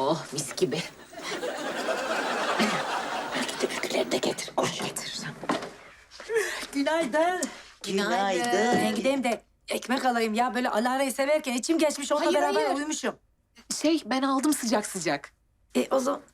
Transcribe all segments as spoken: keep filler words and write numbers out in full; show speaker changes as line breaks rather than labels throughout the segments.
Oh mis gibi.
Belki de ülkeleri de getir. Koş getirsen.
Günaydın.
Günaydın.
Ben gideyim de ekmek alayım ya. Böyle Alara'yı severken içim geçmiş. Onunla
Hayır,
beraber
hayır.
uyumuşum.
Şey ben aldım sıcak sıcak.
E o zaman...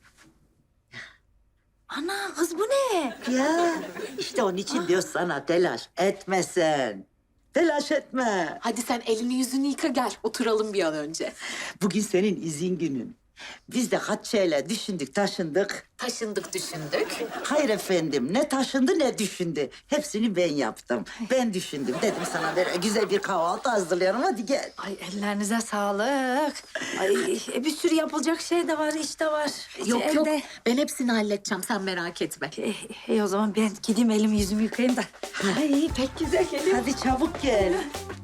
Ana kız bu ne?
Ya işte onun için diyor sana telaş etmesen. Telaş etme.
Hadi sen elini yüzünü yıka gel oturalım bir an önce.
Bugün senin izin günün. Biz de kaç şeyler düşündük, taşındık.
Taşındık düşündük.
Hayır efendim, ne taşındı ne düşündü. Hepsini ben yaptım. Ben düşündüm. Dedim sana böyle güzel bir kahvaltı hazırlayalım. Hadi gel.
Ay ellerinize sağlık. Ay e, bir sürü yapılacak şey de var, iş de var.
Yok
Evde.
yok ben hepsini halledeceğim sen merak etme.
E, e, o zaman ben gideyim elimi yüzümü yıkayayım da. Ay pek güzel geliyor.
Hadi çabuk gel.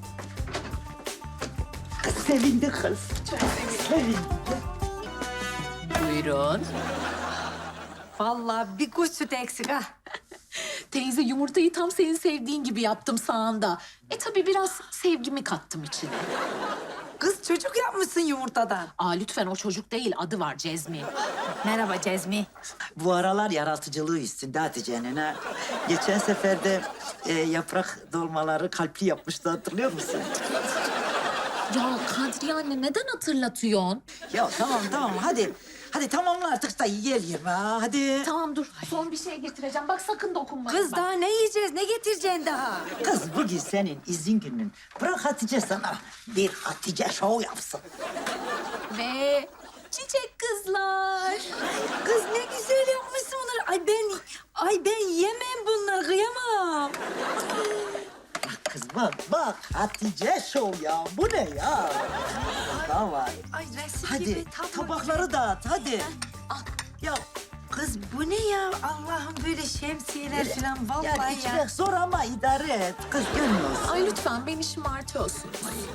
Kız sevindi kız. Çok sevindi.
Buyurun.
Vallahi bir kuş sütü eksik ha.
Teyze yumurtayı tam senin sevdiğin gibi yaptım sağında. E tabii biraz sevgimi kattım içine.
Kız çocuk yapmışsın yumurtadan.
Aa lütfen o çocuk değil adı var Cezmi.
Merhaba Cezmi.
Bu aralar yaratıcılığı üstünde Hatice'nin ha. Geçen sefer de e, yaprak dolmaları kalpli yapmıştı, hatırlıyor musun?
Ya Kadriye anne neden hatırlatıyorsun?
Ya tamam tamam hadi. Hadi tamamla artık da yiyelim ha hadi.
Tamam dur son bir şey getireceğim. Bak sakın dokunma.
Kız daha ne yiyeceğiz, ne getireceksin daha?
Kız bugün senin izin günün. Bırak Hatice sana bir Hatice show yapsın.
Ve çiçek kızlar.
Kız ne güzel yapmışsın onları. Ay ben, ay ben yemem bunları, kıyamam.
Bak kız bak bak Hatice show ya. Bu ne ya? Daha var.
Ay resim
Hadi
gibi tablo.
tabakları dağıt hadi. Ya
Kız bu ne ya? Allah'ım böyle şemsiyeler falan vallahi
yani
ya.
içmek zor ama idare et. Kız gönlüyorsun.
Ay lütfen beni şımartıyorsun.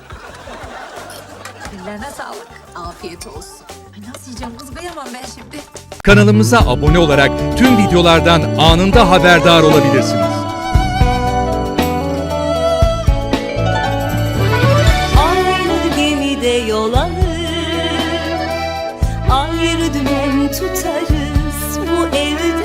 Ellerine sağlık.
Afiyet olsun.
Ay nasıl yiyeceğim kız, kıyamam ben şimdi.
Kanalımıza abone olarak tüm videolardan anında haberdar olabilirsiniz.
Aynı gemide yol alır, ayrı dümen tutarız bu evde.